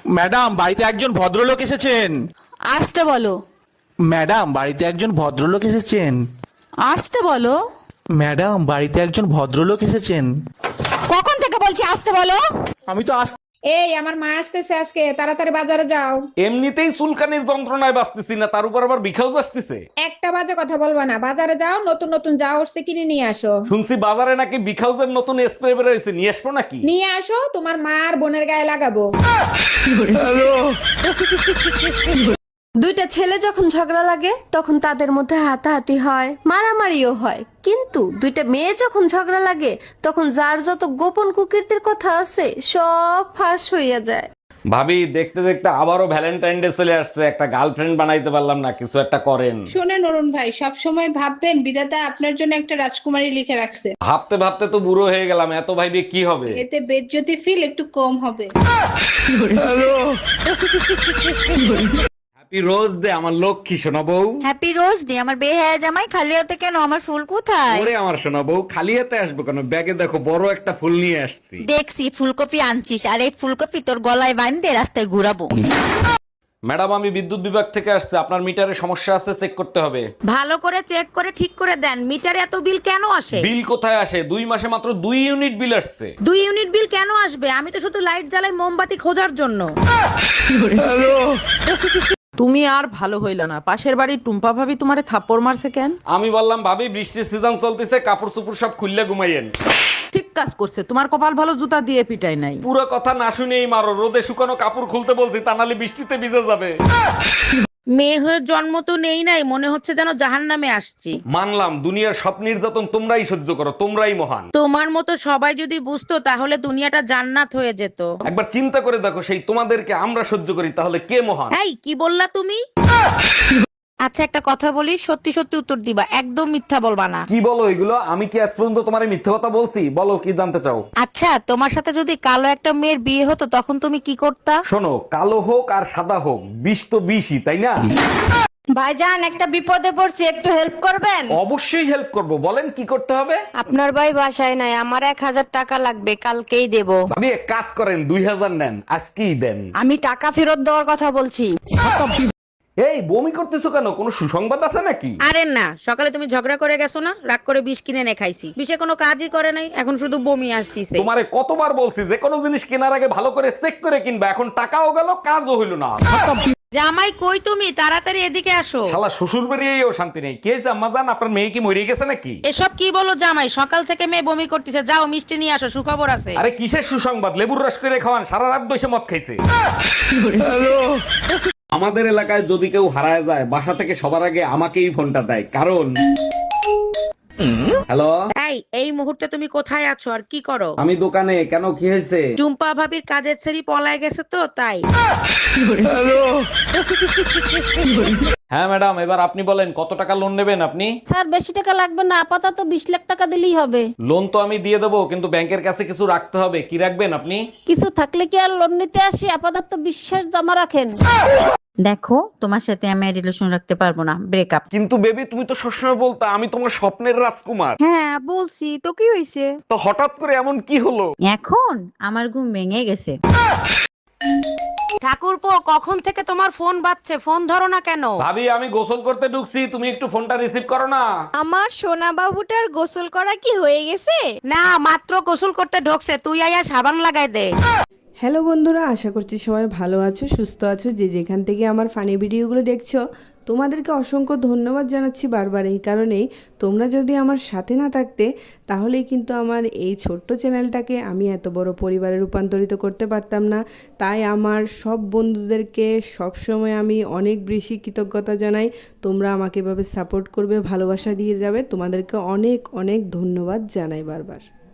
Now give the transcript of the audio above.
Madam, বাড়িতে একজন ভদ্রলোক এসেছেন। আসতে বলো। ম্যাডাম, বাড়িতে একজন ভদ্রলোক এসেছেন। আসতে বলো। ম্যাডাম, বাড়িতে একজন ভদ্রলোক এসেছেন। কখন থেকে বলছি আসতে বলো। আমি তো এই আমার মা আসতেছে আজকে, তাড়াতাড়ি বাজারে যাও। এমনিতেই চুলকানির যন্ত্রণায় বাঁচতেছি না, তার উপর আবার বিখাউজ আসতেছে। একটা বাজে কথা বলবা না, বাজারে যাও, নতুন নতুন যা উঠছে কিনে নিয়ে আসো। শুনছি বাজারে নাকি বিখাউজের নতুন স্প্রে বের হয়েছে, নিয়ে আসবো নাকি? নিয়ে আসো, তোমার মা আর বোনের গায়ে লাগাবো। দুইটা ছেলে যখন ঝগড়া লাগে তখন তাদের মধ্যে হাতাহাতি হয়, মারামারিও হয়, কিন্তু দুইটা মেয়ে যখন ঝগড়া লাগে তখন যার যত গোপন কুকীর্তির কথা আছে সব ফাঁস হইয়া যায়। ভাবি, দেখতে দেখতে আবারও ভ্যালেন্টাইন ডে চলে আসছে, একটা গার্লফ্রেন্ড বানাইতে পারলাম না, কিছু একটা করেন। শোনেন অরুণ ভাই, সব সময় ভাববেন বিধাতা আপনার জন্য একটা রাজকুমারী লিখে রাখছে। ভাবতে ভাবতে তো বুড়ো হয়ে গেলাম, এত ভাইবে কি হবে? এতে বেজ্জতি ফিল একটু কম হবে। হ্যাপি রোজ ডে আমার লক্ষ্মী সোনা বউ। হ্যাপি রোজ ডে আমার বেহায়া জামাই, খালি হাতে কেন? আমার ফুল কোথায়? ওরে আমার সোনা বউ, খালি হাতে আসবো কেন? ব্যাগে দেখো বড় একটা ফুল নিয়ে আসছি। দেখছি ফুলকপি আনছিস, আর এই ফুলকপি তোর গলায় বাঁধতে রাস্তায় ঘুরাবো। ম্যাডাম, আমি বিদ্যুৎ বিভাগ থেকে আসছে, আপনার মিটারে সমস্যা আছে, চেক করতে হবে। ভালো করে চেক করে ঠিক করে দেন। মিটারে এত বিল কেন আসে? বিল কোথায় আসে? 2 মাসে মাত্র 2 ইউনিট বিল আসছে। 2 ইউনিট বিল কেন আসবে? আমি তো শুধু লাইট জ্বালাই মোমবাতি খোঁজার জন্য। তুমি আর ভালো হইলা না, পাশের বাড়ির টুম্পা ভাবি তোমারে থাপ্পড় মারছে কেন? আমি বললাম ভাবি, বৃষ্টির সিজন চলতেছে, কাপড় চোপড় সব খুললে ঘুমাইয়েন। ঠিক কাজ করছে, তোমার কপাল ভালো জুতা দিয়ে পিটাই নাই। পুরো কথা না শুনেই মারো, রোদে শুকানো কাপড় খুলতে বলছি, তা নাহলে বৃষ্টিতে ভিজে যাবে। মেয়ে হয়ে জন্ম তো নেই নাই, মনে হচ্ছে যেন জাহান্নামে আসছি। মানলাম, দুনিয়ার সব নির্যাতন তোমরাই সহ্য করো, তোমরাই মহান। তোমার মতো সবাই যদি বুঝতো তাহলে দুনিয়াটা জান্নাত হয়ে যেত। একবার চিন্তা করে দেখো, সেই তোমাদেরকে আমরা সহ্য করি, তাহলে কে মহান? এই কি বললা তুমি? আচ্ছা একটা কথা বলি, সত্যি সত্যি উত্তর দিবা, একদম মিথ্যা বলবা না। কি বলো এগুলো? আমি কি আজ পর্যন্ত তোমার মিথ্যে কথা বলছি? বলো কি জানতে চাও? আচ্ছা, তোমার সাথে যদি কালো একটা মেয়ের বিয়ে হতো তখন তুমি কি করতা? শোনো, কালো হোক আর সাদা হোক, বিষ তো বিষই, তাই না? ভাইজান, একটা বিপদে পড়ছি, একটু হেল্প করবেন? অবশ্যই হেল্প করব, বলেন কি করতে হবে। আপনার ভাই বাসায় নাই, আমার 1000 টাকা লাগবে, কালকেই দেব। ভাবি এক কাজ করেন, 2000 নেন, আজকেই দেন। আমি টাকা ফেরত দেওয়ার কথা বলছি। এই বমি করতেছো কেন? কোনো সুসংবাদ আছে নাকি? আরে না, সকালে তুমি ঝগড়া করে গেছো না, রাগ করে বিষ কিনে এনে খাইছি, বিষে কোনো কাজই করে নাই, এখন শুধু বমি আসতিছে। তোমারে কতবার বলছি যে কোনো জিনিস কেনার আগে ভালো করে চেক করে কিনবা, এখন টাকাও গেল, কাজও হইলো না। জামাই কই তুমি? তাড়াতাড়ি এদিকে আসো। শালা শ্বশুর বাড়িয়েও শান্তি নেই। কে জাম্মা জান, আপনার মেয়ে কি মরে গেছে নাকি? এসব কি বলো জামাই? সকাল থেকে মেয়ে বমি করতেছে, যাও মিষ্টি নিয়ে আসো, সুখবর আছে। আরে কিসের সুসংবাদ? লেবুর রস করে খাওয়ান, সারা রাত বসে মদ খাইছে। আমাদের এলাকায় যদি কেউ হারায় যায়, বাসা থেকে সবার আগে আমাকেই ফোনটা দেয়, কারণ হ্যালো, এই মুহূর্তে তুমি কোথায় আছো আর কি করো? আমি দোকানে। কেন, কি হয়েছে? টুম্পা ভাবির কাজের ছেড়ি পলায় গেছে তো তাই। হ্যাঁ ম্যাডাম, এবার আপনি বলেন কত টাকা লোন নেবেন আপনি? স্যার, বেশি টাকা লাগবে না, আপাতত 20 লাখ টাকা দিলেই হবে। লোন তো আমি দিয়ে দেবো, কিন্তু ব্যাংকের কাছে কিছু রাখতে হবে। কি রাখবেন আপনি? কিছু থাকলে কি আর লোন নিতে আসি? আপাতত বিশ্বাস জমা রাখেন। দেখো, তোমার সাথে আমি রিলেশন রাখতে পারবো না, ব্রেকআপ। কিন্তু বেবি, তুমি তো সবসময় বলতা আমি তোমার স্বপ্নের রাজকুমার। হ্যাঁ বলছি তো, কি হয়েছে? তো হঠাৎ করে এমন কি হলো? এখন আমার ঘুম ভেঙে গেছে। ঠাকুরপো, কখন থেকে তোমার ফোন বাজছে, ফোন ধরো না কেন? ভাবি, আমি গোসল করতে ঢুকছি, তুমি একটু ফোনটা রিসিভ করো না। আমার সোনা বাবুটার গোসল করা কি হয়ে গেছে? না, মাত্র গোসল করতে ঢোকছে, তুই আয়া সাবান লাগাই দে। হ্যালো বন্ধুরা, আশা করছি সবাই ভালো আছো, সুস্থ আছো। যে যেখান থেকে আমার ফানি ভিডিওগুলো দেখছো, তোমাদেরকে অসংখ্য ধন্যবাদ জানাচ্ছি বারবার। এই কারণেই, তোমরা যদি আমার সাথে না থাকতে তাহলেই কিন্তু আমার এই ছোট্ট চ্যানেলটাকে আমি এত বড় পরিবারে রূপান্তরিত করতে পারতাম না। তাই আমার সব বন্ধুদেরকে সবসময় আমি অনেক বেশি কৃতজ্ঞতা জানাই। তোমরা আমাকে এভাবে সাপোর্ট করবে, ভালোবাসা দিয়ে যাবে, তোমাদেরকে অনেক অনেক ধন্যবাদ জানাই বারবার।